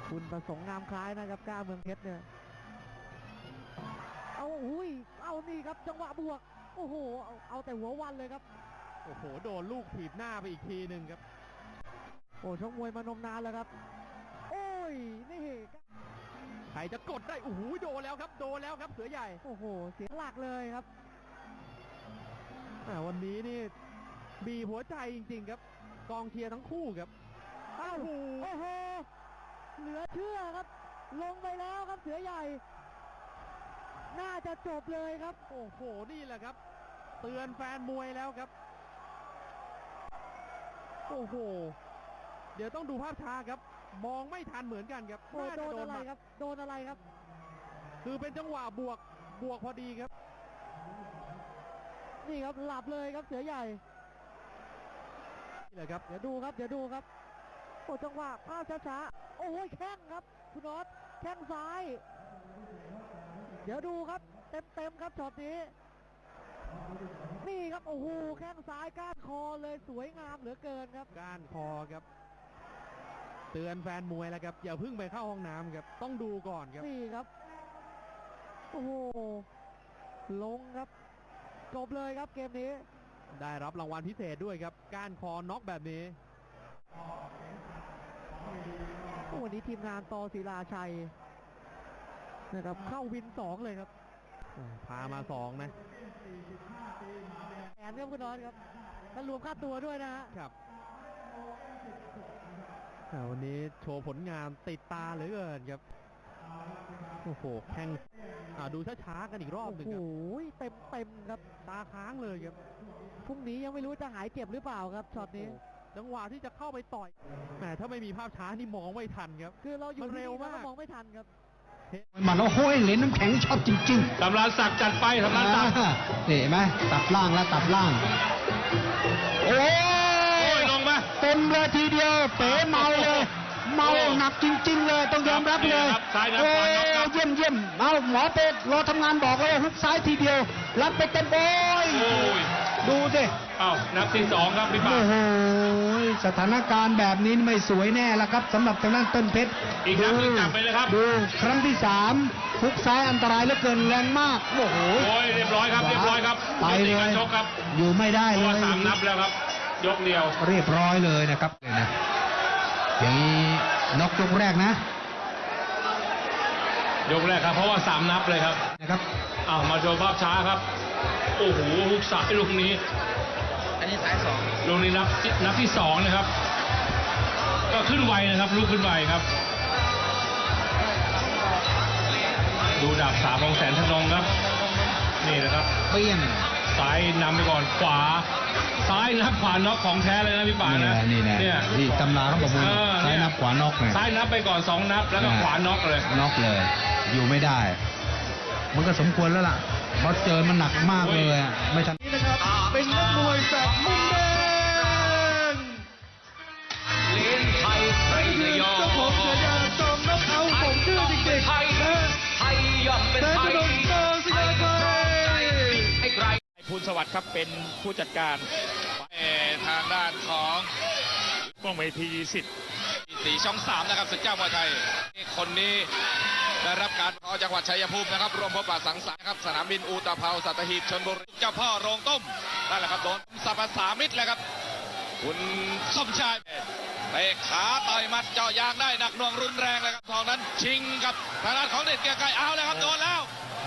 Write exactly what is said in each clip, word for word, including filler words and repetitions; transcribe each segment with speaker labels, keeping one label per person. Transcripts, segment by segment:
Speaker 1: คุณประสงค์งามคล้ายนะครับก้าเมืองเพชรเนี่ยเอาอุ้ยเอานี่ครับจังหวะบวกโอ้โหเอาเอาแต่หัววันเลยครับ
Speaker 2: โอ้โหโดนลูกถีบหน้าไปอีกทีหนึ่งครับ
Speaker 1: โอ้ชกมวยมานมนานแล้วครับโอ้ยนี่
Speaker 2: ใครจะกดได้โอ้โหโดนแล้วครับโดนแล้วครับเสือใหญ่
Speaker 1: โอ้โหเสียหลักเลยครับ
Speaker 2: วันนี้นี่บีบหัวใจจริงๆครับกองเชียร์ทั้งคู่ครับ
Speaker 1: โอ้โหโอ้โหเหลือเชื่อครับลงไปแล้วครับเสือใหญ่น่าจะจบเลยครับ
Speaker 2: โอ้โหนี่แหละครับเตือนแฟนมวยแล้วครับโอ้โหเดี๋ยวต้องดูภาพช้าครับมองไม่ทันเหมือนกันครับ
Speaker 1: โดนอะไรครับโดนอะไรครับ
Speaker 2: คือเป็นจังหวะบวกบวกพอดีครับ
Speaker 1: นี่ครับหลับเลยครับเสือใหญ่
Speaker 2: นี่แหละครับ
Speaker 1: เดี๋ยวดูครับเดี๋ยวดูครับโอ้จังหวะภาพช้าๆโอ้ยแข้งครับคุณน็อตแข้งซ้ายเดี๋ยวดูครับเต็มเต็มครับช็อตนี้นี่ครับโอ้โหแข้งซ้ายก้านคอเลยสวยงามเหลือเกินครับ
Speaker 2: ก้านคอครับเตือนแฟนมวยแล้วครับอย่าเพิ่งไปเข้าห้องน้ำครับต้องดูก่อนครับ
Speaker 1: นี่ครับโอ้โหลงครับจบเลยครับเกมนี้
Speaker 2: ได้รับรางวัลพิเศษด้วยครับก้านคอน็อกแบบนี้
Speaker 1: วันนี้ทีมงานตอศิลาชัยนะครับเข้าวินสองเลยครับ
Speaker 2: พามาสองนะ
Speaker 1: แอนครับคุณน้อยครับถ้ารวมค่าตัวด้วยนะฮะ
Speaker 2: ครับวันนี้โชว์ผลงานติดตาเหลือเกินครับโอ้โหแข่งดูช้าๆกันอีกรอบหนึ่งครับ
Speaker 1: โอ้ยเต็มเต็มครับ
Speaker 2: ตาค้างเลยครับ
Speaker 1: พรุ่งนี้ยังไม่รู้จะหายเจ็บหรือเปล่าครับช็อตนี้
Speaker 2: จังหวะที่จะเข้าไปต่อยแหมถ้าไม่มีภาพช้านี่มองไม่ทันครับ
Speaker 1: คือเราอยู่เร็วมากมองไม่ทันครับ
Speaker 3: มันโอ้โหเหรียญน้ำแข็งชอบจริง
Speaker 4: ๆตำราศักดิ์จัดไปตำราศักดิ์
Speaker 3: เห็นไหมตัดล่างแล้วตัดล่างโอ้
Speaker 4: ยลงมา
Speaker 3: เต็มเลยทีเดียวเป๋เมาเลยเมาหนักจริงๆเลยต้องยอมรับเลยโอ้ยเยี่ยมเยี่ยมเอาหมอเป็ดรอทำงานบอกเลยฮุกซ้ายทีเดียวรับไปเต็มโอ้ยดูสิ
Speaker 4: อ้าวนับที่สองครับพี่ป้า
Speaker 3: โอ้โหสถานการณ์แบบนี้ไม่สวยแน่ละครับสำหรับทางด้านต้นเพชร
Speaker 4: อีกครั้งนึงจับไปเลยครับ
Speaker 3: ดูครั้งที่สามฮุกซ้ายอันตรายเหลือเกินแรงมากโอ้โห
Speaker 4: โอ้ยเรียบร้อยครับเรียบร้อยครับ
Speaker 3: ไปเลยอยู่ไม่ได้เลย
Speaker 4: สามนับแล้วครับยกเดียว
Speaker 3: เรียบร้อยเลยนะครับนะอย่างนี้นกยกแรกนะ
Speaker 4: ยกแรกครับเพราะว่าสามนับเลยครับ
Speaker 3: นะครับ
Speaker 4: อ้าวมาโชว์ภาพช้าครับโอ้โหฮุกซ้ายลูกนี้
Speaker 3: อันนี้สายสอง
Speaker 4: ลูกนี้นับนับที่สองนะครับก็ขึ้นไวนะครับลูกขึ้นไวครับดูดาบสามของแสนธนงครับนี่นะครับ
Speaker 3: เปี้ยง
Speaker 4: ซ้ายนำไปก่อนขวาซ้ายนับขวาน็อกของแท้เลยนะพี่ป่านะ
Speaker 3: นี่นะเนี่ยที่ตำราเขาบอกว่าซ้ายนับขวาน็อกเลย
Speaker 4: ซ้ายนับไปก่อนสองนับแล้วก็ขวาน็อกเลย
Speaker 3: น็อกเลยอยู่ไม่ได้มันก็สมควรแล้วล่ะเพราะเจอมันหนักมากเลยไม่ทัน
Speaker 2: นี่นะครับเป็นนักมวยแสบมุมแดง
Speaker 5: เลี้ยงไทยไทยยอม
Speaker 2: เจ้าของฉายาจอมนักเอาผมชื่อเด็กๆ
Speaker 5: ไทยไทยยอมเป็นไทยไทยให้ใคร
Speaker 4: ภูลสวัสดิ์ครับเป็นผู้จัดการ
Speaker 5: ทางด้านของ
Speaker 4: ป้องเวทีสิทธิ์
Speaker 5: สีช่องสามนะครับศึกเจ้ามวยไทยคนนี้ได้รับการขอจังหวัดชัยภูมินะครับรวมพบปะสังสรรค์ครับสนามบินอุตภาวสัตหีบชลบุรีเจ้าพ่อโรงต้มนั่นแหละครับโดนสัพสามิตรเลยครับคุณสมชายเตะขาต่อยมัดเจาะยางได้หนักหน่วงรุนแรงเลยครับทองนั้นชิงกับทางด้านของเด็ดเกียร์ไก่เอาเลยครับโดนแล้ว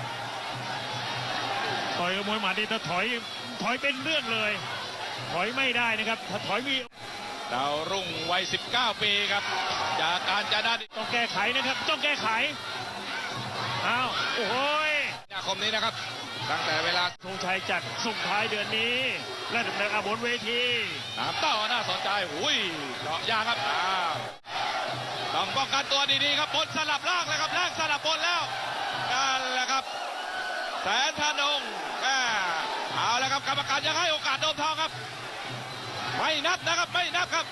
Speaker 4: ต่อยกับมวยหมัดนี่ถ้าถอยถอยเป็นเรื่องเลยถอยไม่ได้นะครับถ้าถอยมี
Speaker 5: ดาวรุ่งวัยสิบเก้าปีครับจากการจะได้
Speaker 4: ต้องแก้ไขนะครับต้องแก้ไขอ้าวโอ้ย
Speaker 5: นาคมนี้นะครับตั้งแต่เวลา
Speaker 4: ธงชัยจัดส่งท้ายเดือนนี้และดำเนินอาบนเวที
Speaker 5: ตามต่อน่าสนใจอุ้ยเจาะยางครับต้องป้องกันตัวดีๆครับบนสลับล่างเลยครับล่างสลับบนแล้วนั่นแหละครับแสนธนงเอาแล้วครับกรรมการยังให้โอกาสโดมทองครับไม่นับนะครับไม่นับครับ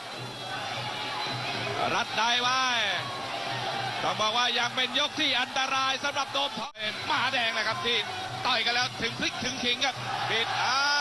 Speaker 5: รัดได้ไว้ต้องบอกว่ายังเป็นยกที่อันตรายสำหรับโดมทองมหาแดงนะครับที่ต่อยกันแล้วถึงพลิกถึงขิงครับปิดอ่า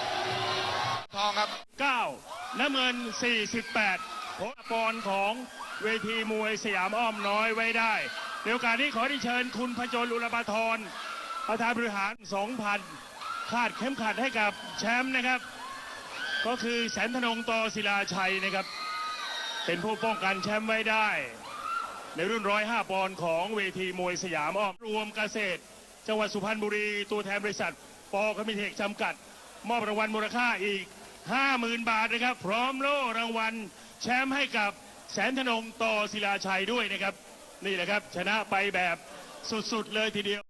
Speaker 5: ทองครับ
Speaker 4: เก้าน้ำเงินสี่สิบแปดผลปอนของเวทีมวยสยามอ้อมน้อยไว้ได้ในโอกาสนี้ขอที่เชิญคุณพจน์อุลปาธรประธานบริหาร สองพัน คาดเข็มขัดให้กับแชมป์นะครับก็คือแสนธนงตศิลาชัยนะครับเป็นผู้ป้องกันแชมป์ไว้ได้ในรุ่นหนึ่งร้อยห้าปอนด์ของเวทีมวยสยามอ้อมรวมเกษตรจังหวัดสุพรรณบุรีตัวแทนบริษัทปอคามิเทคจำกัดมอบรางวัลมูลค่าอีก ห้าหมื่น บาทนะครับพร้อมโล่รางวัลแชมป์ให้กับแสนธนงตศิลาชัยด้วยนะครับนี่แหละครับชนะไปแบบสุดๆเลยทีเดียว